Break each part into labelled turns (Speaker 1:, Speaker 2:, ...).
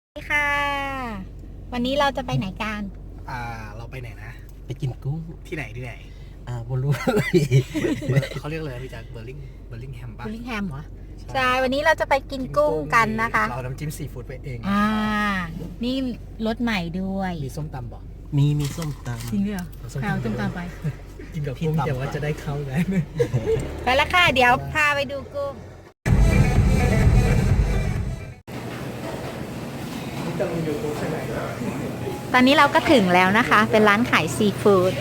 Speaker 1: สวัสดีค่ะวันนี้เราจะไปไหนกัน
Speaker 2: เราไปไหนนะ
Speaker 3: ไปกินกุ้ง
Speaker 2: ที่ไหนที่ไหน
Speaker 3: บนรู้เลย
Speaker 2: เขาเรียกเลยพี่จากเบอร์ลิงแฮม
Speaker 1: บิ
Speaker 2: ป่ะ
Speaker 1: ลลิงแฮมเหรอใช่วันนี้เราจะไปกินกุ้งกันนะคะ
Speaker 2: เราน้ำจิ้มซีฟู้ดไปเอง
Speaker 1: นี่รสใหม่ด้วย
Speaker 2: มีส้มตำบอก
Speaker 3: มีส้มต
Speaker 1: จริงด้วยเหรอใครเอาต้มตำไป
Speaker 2: กินกับกุ้งแต่ว่าจะได้เข้าได้
Speaker 1: ไปแล้วค่ะ เดี๋ยวพาไปดูกุ้งตอนนี้เราก็ถึงแล้วนะคะ เป็นร้านขายซีฟู้ด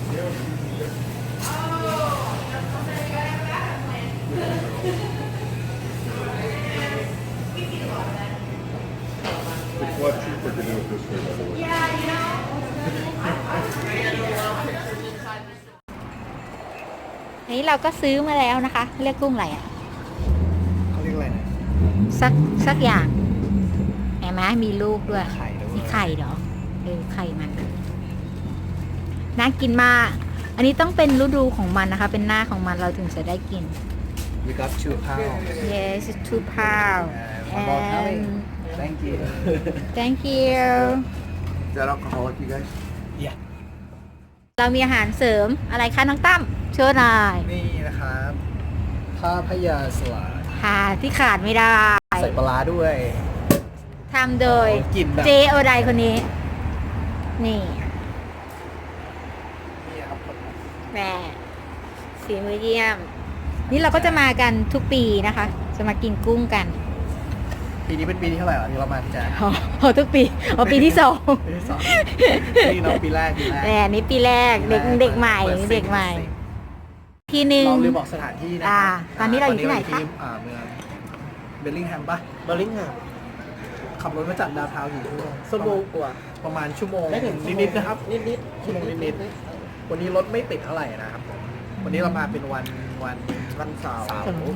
Speaker 1: อันนี้เราก็ซื้อมาแล้วนะคะ เรียกกุ้งอะไรอ่ะ
Speaker 2: เขาเรียกอะไรนะ
Speaker 1: สักอย่างเห็นไหมมีลูกด้วย
Speaker 2: ไข่ด้วย
Speaker 1: มีไข่เหรอไข่มันน่ากินมาก อันนี้ต้องเป็นฤดูของมันนะคะ เป็นหน้าของมันเราถึงจะได้กิน
Speaker 2: We got 2 pounds
Speaker 1: yes 2 pound
Speaker 2: about having
Speaker 1: and
Speaker 2: Thank you
Speaker 1: thank you
Speaker 3: Is that alcoholic, you guys?
Speaker 2: Yeah
Speaker 1: เรามีอาหารเสริมอะไรคะน้องตั้มโชว์หน่อย
Speaker 2: นี่นะครับข้าวพยาสลัด
Speaker 1: ค่ะที่ขาดไม่ได้
Speaker 2: ใส่ปลาร้าด้วย
Speaker 1: ทำโดย
Speaker 2: กลิ่นแบบ
Speaker 1: เจโอไดคนนี้ นี่
Speaker 2: นี่ครับ
Speaker 1: แม่ฝีมือเยี่ยม นี่เราก็จะมากันทุกปีนะคะ จะมากินกุ้งกัน
Speaker 2: ปีนี้เป็นปีที่เท่าไหร่ที่เรามาพี่แจ๊ค
Speaker 1: อ๋อทุกปีปีที่ 2
Speaker 2: ปีที่ 2นี่เนาะปีแรก
Speaker 1: แหมนี่ปีแรกเด็กใหม่
Speaker 2: ปิซิ่ง
Speaker 1: เด็กใหม่ ทีหนึ่ง
Speaker 2: เราลืมบอกสถานที่นะ
Speaker 1: ตอนนี้เราอยู่ที่ไหนคะ
Speaker 2: เมืองเบลลิงแฮมป่ะ
Speaker 3: เบอร์ลิงแฮม
Speaker 2: ขับรถมาจากดาวน์ทาวน์อยู่ชั่วโมง
Speaker 3: ชั่วโมงกว่า
Speaker 2: ประมาณชั่วโมง
Speaker 3: ได้ถึง
Speaker 2: นิดๆนะครับ
Speaker 3: นิด
Speaker 2: ชั่วโมงนิดๆวันนี้รถไม่ติดเท่าไหร่นะครับผมวันนี้เรามาเป็นวันเสาร์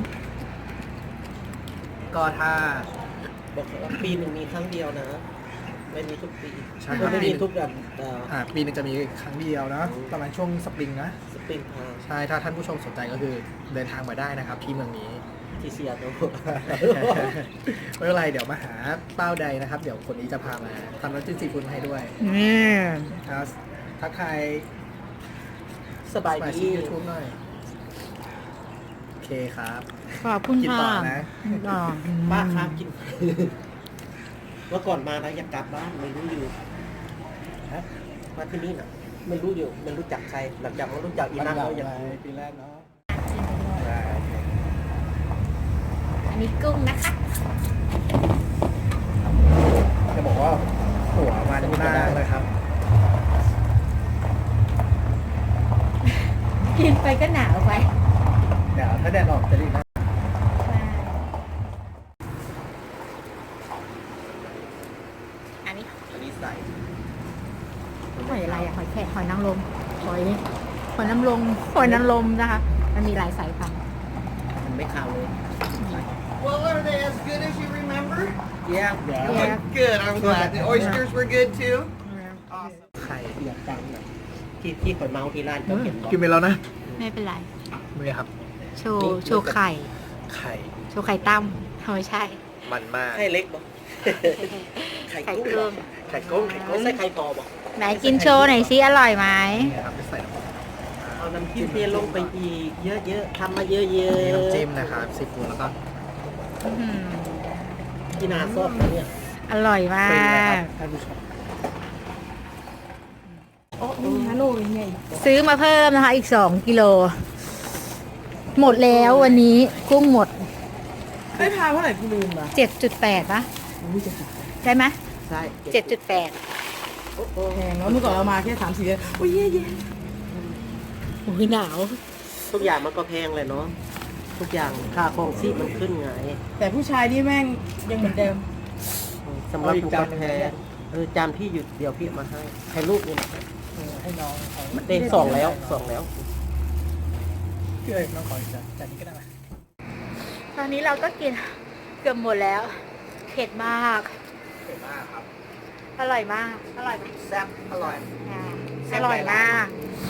Speaker 2: ก็ถ้า
Speaker 3: บอกว่าปีหนึ่งมีครั้งเดียวนะ ไม่มีทุกปี
Speaker 2: ใช่ครับ
Speaker 3: ไม่มีทุกแบบ
Speaker 2: ปีหนึงจะมีครั้งเดียวนะประมาณช่วงสปริงนะ
Speaker 3: สปริง
Speaker 2: ใช่ถ้าท่านผู้ชมสนใจก็คือเดินทางมาได้นะครับที่เมืองนี้
Speaker 3: ที่เซียโต
Speaker 2: ไม่เป็นไรเดี๋ยวมาหาเป้าใดนะครับ เดี๋ยวคนนี้จะพามาทำน้ำจิ้มซีฟู้ดให้ด้วย ครับทักทาย
Speaker 3: สบาย
Speaker 2: สมา
Speaker 3: ดี
Speaker 2: ชิกยูทูบหน่อยโอเคครับ
Speaker 1: ขอบคุณ
Speaker 2: กิน
Speaker 1: ค่ะ
Speaker 2: ต่อนะ
Speaker 3: ป้าครับกินเมื่อก่อนมานะอยากกลับบ้านไม่รู้อยู่ฮะมาที่นี่น่ะไม่รู้อยู่ไม่รู้จักใครหลังจากมารู้จักอีนั่นแล้วอย่าง
Speaker 2: ปีแรกเนาะ
Speaker 1: อันนี้กุ้งนะคะ
Speaker 2: จะบอกว่าหัวมันมากเลยครับ
Speaker 1: กินไปก็หนาวไป
Speaker 2: เดี๋ยวถ้าแดดออกจะดีนะ
Speaker 1: อันนี้
Speaker 3: อันนี้ใส่
Speaker 1: หอยอะไรอะหอยแครงหอยนางรมหอยนางรมนะคะ มันมีหลายสายพันธุ์
Speaker 3: มันไม่ขาวเลย
Speaker 4: Well, are they as good as you remember?
Speaker 3: Yeah
Speaker 1: Yeah.
Speaker 4: Good, I'm glad. The oysters were good too? Awesome.
Speaker 2: ไข่
Speaker 3: อยากจังนะที่ข่อยเมาที่ร้านเขาเห็นบอก
Speaker 2: กินไปแล้วนะ
Speaker 1: ไม่เป็นไร
Speaker 2: นี่ครับ
Speaker 1: โชว์ไข่
Speaker 2: ไข่
Speaker 1: โชว์ไข่ตั้มไม่ใช่
Speaker 2: มันมาก
Speaker 3: ให้เล็กบอก ไข่
Speaker 1: ไข่
Speaker 3: กุ้ง
Speaker 1: กุ้ง
Speaker 2: ไข่กุ้ง
Speaker 3: ไม่ใช่ไข่ปอบอก
Speaker 1: ไหนกินโชว์หน่อยสิอร่อยไหม
Speaker 2: นี่ครับจะใส่น้ำมัน
Speaker 3: เอาน้ำจิ้มเทลงไปอีกเยอะๆทำมาเยอะ
Speaker 2: นี่
Speaker 3: ๆ
Speaker 2: น้ำจิ้มนะครับซีฟู้ดแล้วก็
Speaker 1: อื้อหือ
Speaker 3: ที่นาซอบนะเนี่ย
Speaker 1: อร่อยมา
Speaker 2: ฟรีนะครั
Speaker 1: ก
Speaker 2: บท่านผู้ชม
Speaker 1: ซื้อมาเพิ่มนะคะ อีก2 กิโล หมดแล้ววันนี้กุ้งหมด
Speaker 4: ไอ้พาเท่าไหร่กูลืมอ่ะ
Speaker 1: 7.8ปะได้ไหม
Speaker 3: ใช่
Speaker 1: 7.8
Speaker 4: แพงแล้วเมื่อก่อนเรามาแค่3-4เดือนโอ้ยเย่
Speaker 1: โอ้ยหนาว
Speaker 3: ทุกอย่างมันก็แพงเลยเนาะทุกอย่างค่าครองชีพมันขึ้นไง
Speaker 4: แต่ผู้ชายนี่แม่งยังเหมือนเดิม
Speaker 3: สำหรับผู้ก็แพงจานพี่หยุดเดี๋ยวพี่เอามาให้ลูกนี่นะ
Speaker 2: ให้น้องเขา
Speaker 3: มันได้สองแล้ว
Speaker 2: พี่เอ้ยน้องขออีกจานนี้ก็ได้ไหม
Speaker 1: ตอนนี้เราก็กินเกือบหมดแล้ว เผ็ดมาก
Speaker 2: เผ็ดมากครับ
Speaker 1: อร่อยมาก อร่อยไหม
Speaker 2: แซ่บอร่อย
Speaker 1: อ่าอร่อยมาก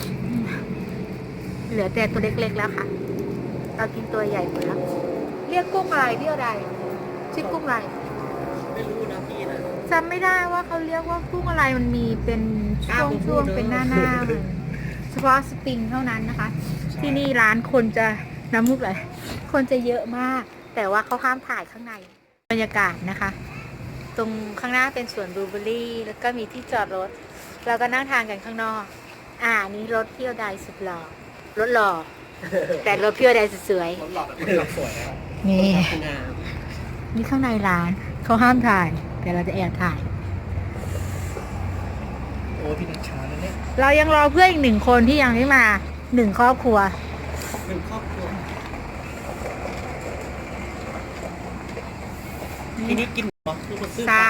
Speaker 1: เหลือแต่ตัวเล็กๆแล้วค่ะ เรากินตัวใหญ่หมดแล้ว เรียกกุ้งอะไรพี่อะไรชื่อกุ้งอะไร
Speaker 3: ไม่รู้นะพี่นะ
Speaker 1: จำไม่ได้ว่าเขาเรียกว่ากุ้งอะไรมันมีเป็นช่วงเป็นหน้าเฉพาะสปริงเท่านั้นนะคะ ที่นี่ร้านคนจะน้ำมุกเลยคนจะเยอะมาก แต่ว่าเขาห้ามถ่ายข้างในบรรยากาศนะคะ ตรงข้างหน้าเป็นสวนบลูเบอร์รี่แล้วก็มีที่จอดรถเราก็นั่งทานกันข้างนอกนี่รถพี่โอไดสุดหล่อรถหล่อ แต่รถพี่โอไดสุดสวย
Speaker 2: รถหลอดแบบรถสวยนะครับ
Speaker 1: นี่
Speaker 3: งาม
Speaker 1: นี่ข้างในร้านเขาห้ามถ่าย แต่เราจะแอบถ่าย
Speaker 2: โอ้พี่นักช้าแล้วเนี่ย
Speaker 1: เรายังรอเพื่อนอีก1 คนที่ยังไม่มา1 ครอบครัว
Speaker 3: เป็นครอบครัวทีนี้กินเหรอคือมาซื้อ